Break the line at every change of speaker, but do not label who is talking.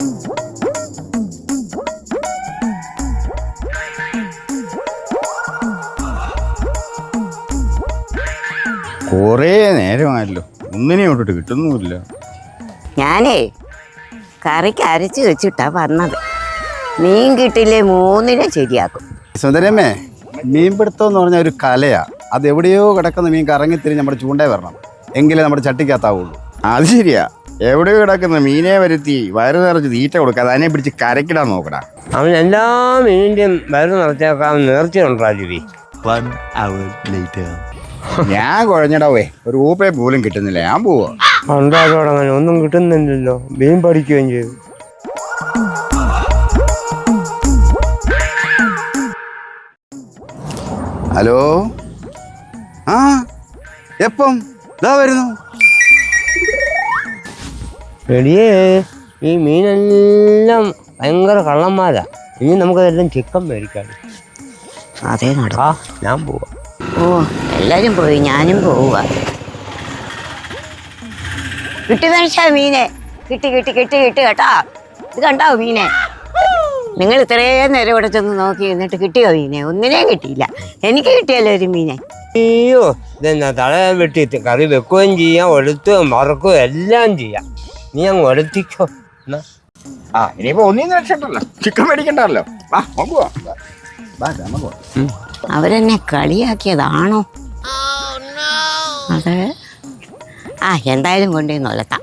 കുറേ നേരമായല്ലോ, ഒന്നിനെ വിട്ടിട്ട് കിട്ടുന്നുമില്ല.
ഞാനേ കറിക്ക് അരച്ച് വെച്ചിട്ടാ വന്നത്. മീൻ കിട്ടില്ലേ 3 ശരിയാക്കും.
സുന്ദരമ്മേ, മീൻപിടുത്തം എന്ന് പറഞ്ഞ ഒരു കലയാ. അത് എവിടെയോ കിടക്കുന്ന മീൻ കറങ്ങിത്തിരിഞ്ഞ് നമ്മുടെ ചൂണ്ടേ വരണം, എങ്കിലേ നമ്മുടെ ചട്ടിക്കകത്താവുള്ളൂ. അത് ശരിയാ, എവിടെയോ കിടക്കുന്ന മീനെ വരുത്തി വയറ് നിറച്ച് തീറ്റ കൊടുക്കാതെ അതിനെ പിടിച്ച് കരക്കിടാൻ നോക്കടാ.
അവൻ എല്ലാ മീനിന്റെയും വയറ് നിറച്ചേക്കാൻ നേർച്ചയുണ്ടാ ജീവി.
ഞാൻ കുഴഞ്ഞടാവേ, ഒരു ഊപ്പയെ പോലും കിട്ടുന്നില്ല. ഞാൻ പോവാ.
അങ്ങനെ ഒന്നും കിട്ടുന്നില്ലല്ലോ. മീൻ പഠിക്കുകയും ചെയ്തു.
ഹലോ, ആ എപ്പം ഇതാ വരുന്നു.
എടിയേ, ഈ മീനെല്ലാം ഭയങ്കര കള്ളന്മാരാ. ഇനി നമുക്കതെല്ലാം ചിക്കൻ മേടിക്കാം.
അതേ നടക്കാ.
ഞാൻ പോവാ.
ഓ, എല്ലാരും പോയി, ഞാനും പോവുക. കിട്ടി മനുഷ്യ മീനെ, കിട്ടി കിട്ടി കിട്ടി കിട്ടി കേട്ടാ. ഇത് കണ്ടാവോ മീനെ? നിങ്ങൾ ഇത്രയും നേരം ഇവിടെ ചെന്ന് നോക്കി എന്നിട്ട് കിട്ടിയോ മീനെ? ഒന്നിനെയും കിട്ടിയില്ല. എനിക്ക് കിട്ടിയല്ലോ ഒരു മീനെ.
അയ്യോ, ഇതെന്നാ തല വെട്ടി കറി വെക്കുകയും ചെയ്യാം, ഒഴുത്തുകയും മറക്കുകയും എല്ലാം ചെയ്യാം. നീ അങ്ങ് ഒഴുത്തിക്കോ.
ഇനിയിപ്പോ ഒന്നിന്ന് രക്ഷപ്പെട്ടല്ലോ, ചിക്കൻ മേടിക്കണ്ടല്ലോ.
അവരെന്നെ കളിയാക്കിയതാണോ? അതെ. എന്തായാലും കൊണ്ടുവന്ന് ഒലത്താം.